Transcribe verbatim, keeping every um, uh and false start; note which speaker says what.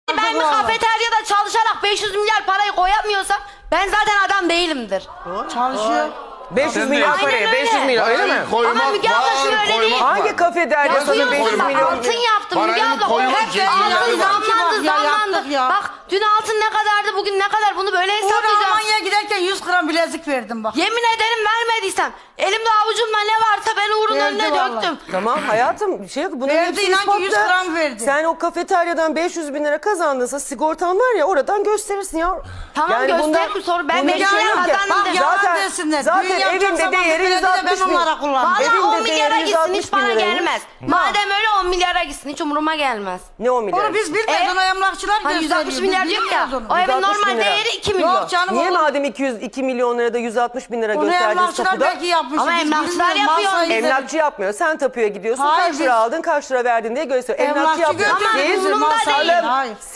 Speaker 1: Ben bir kafeteryada çalışarak beş yüz milyar parayı koyamıyorsam ben zaten adam değilimdir.
Speaker 2: Çalışıyor.
Speaker 3: beş yüz milyon
Speaker 1: Aynen
Speaker 3: paraya,
Speaker 1: öyle.
Speaker 3: beş yüz milyon öyle mi?
Speaker 1: Ama Müge abla şimdi öyle değil.
Speaker 3: Hangi kafederya sana beş yüz
Speaker 1: Yazıyorsun bak,
Speaker 3: milyon?
Speaker 1: altın yaptım Müge
Speaker 4: Parayı
Speaker 1: abla.
Speaker 4: koymak
Speaker 1: Hep
Speaker 4: için
Speaker 1: altın
Speaker 4: milyarı var.
Speaker 1: zamlandı
Speaker 2: Ya,
Speaker 1: zamlandı.
Speaker 2: yaptık ya.
Speaker 1: Bak dün altın ne kadardı bugün ne kadar bunu böyle
Speaker 2: Uğur
Speaker 1: hesaplayacağız.
Speaker 2: Almanya'ya giderken yüz gram bilezik verdim bak.
Speaker 1: Yemin ederim vermediysem elimde avucumda ne varsa ben Uğur'un
Speaker 2: Verdi
Speaker 1: önüne
Speaker 2: vallahi.
Speaker 1: döktüm.
Speaker 3: Tamam hayatım bir şey yok. Bunların
Speaker 2: Verdi,
Speaker 3: hepsi
Speaker 2: inan ki yüz
Speaker 3: ispatla.
Speaker 2: gram verdi.
Speaker 3: Sen o kafeteryadan beş yüz bin lira kazandınsa sigortan var ya oradan gösterirsin ya.
Speaker 1: Tamam, gösteririm, sonra ben
Speaker 3: bunda
Speaker 1: beş
Speaker 3: bir şey
Speaker 1: milyar
Speaker 3: yok ya.
Speaker 1: kazandım
Speaker 2: Bak
Speaker 1: de.
Speaker 2: yalan
Speaker 3: Zaten,
Speaker 2: desinler.
Speaker 3: zaten
Speaker 2: Düğün yapacak
Speaker 3: evinde
Speaker 2: zaman
Speaker 3: değeri
Speaker 2: bir
Speaker 3: yüz
Speaker 2: kredi de
Speaker 3: altmış
Speaker 2: ben
Speaker 3: bin.
Speaker 2: onlara kullandım.
Speaker 1: Valla
Speaker 3: Evinde
Speaker 1: on milyara
Speaker 3: değeri yüz
Speaker 1: gitsin
Speaker 3: altmış
Speaker 1: hiç
Speaker 3: bin
Speaker 1: bana
Speaker 3: liraymış.
Speaker 1: gelmez. Madem öyle on milyara gitsin hiç umuruma gelmez.
Speaker 3: Ne o milyar?
Speaker 2: Onu biz bilmiyoruz.
Speaker 1: E,
Speaker 2: Onu emlakçılar
Speaker 1: Hani
Speaker 2: gösteriyor.
Speaker 1: yüz altmış
Speaker 2: Biz
Speaker 1: milyar diyor ya.
Speaker 2: bilmiyoruz onu.
Speaker 1: O evin
Speaker 3: yüz altmış bin
Speaker 1: normal
Speaker 3: lira.
Speaker 1: değeri iki milyon.
Speaker 2: Yok canım.
Speaker 3: Niye
Speaker 2: olur.
Speaker 3: madem iki yüz iki milyon lirada yüz altmış bin lira
Speaker 2: Onu
Speaker 3: gösterdiniz
Speaker 2: emlakçılar
Speaker 3: tapuda?
Speaker 2: belki yapmış.
Speaker 1: Ama
Speaker 2: Biz
Speaker 1: emlakçılar
Speaker 2: bilmiyoruz. Mal
Speaker 1: yapıyor.
Speaker 2: sahibi-
Speaker 3: Emlakçı yapmıyor. Sen tapuya gidiyorsun.
Speaker 2: Hayır,
Speaker 3: kaç lira
Speaker 2: biz-
Speaker 3: aldın, kaç lira verdin diye gösteriyor. Emlakçı
Speaker 2: Emlakçı
Speaker 3: yapıyor.
Speaker 2: götürdü
Speaker 1: Ama
Speaker 2: bizi,
Speaker 1: umurumda
Speaker 2: mal sahibi.
Speaker 1: değil.
Speaker 2: Hayır.